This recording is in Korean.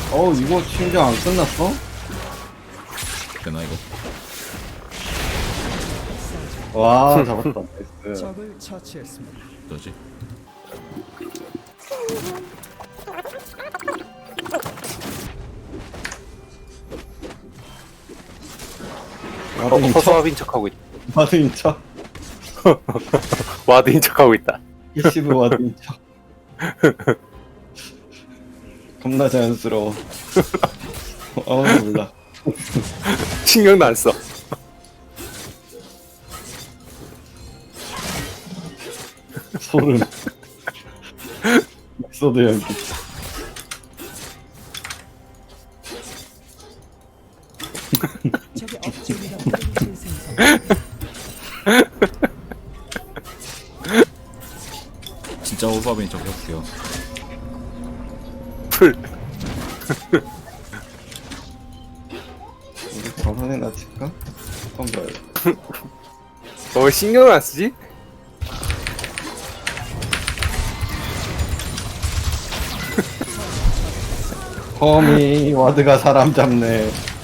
이거 신경 안 끝났어? 되나 이거? 와, 잡았다. 나이스. 적을 처치했습니다. 뭐지? 와드인 척, 허수아비인 척하고 있다. 와드인 척. 와드인 척하고 있다. 이시브 와드인 척. 겁나 자연스러워. 몰라. 신경도 안 써. 소름. 소드 연기. 적의 억제기가 재생성. 진짜 호수아비인 척 해볼게요. 풀. 우리 저번에나 칠까? 한번 봐요. 왜 신경을 안 쓰지? 허미 와드가 사람 잡네.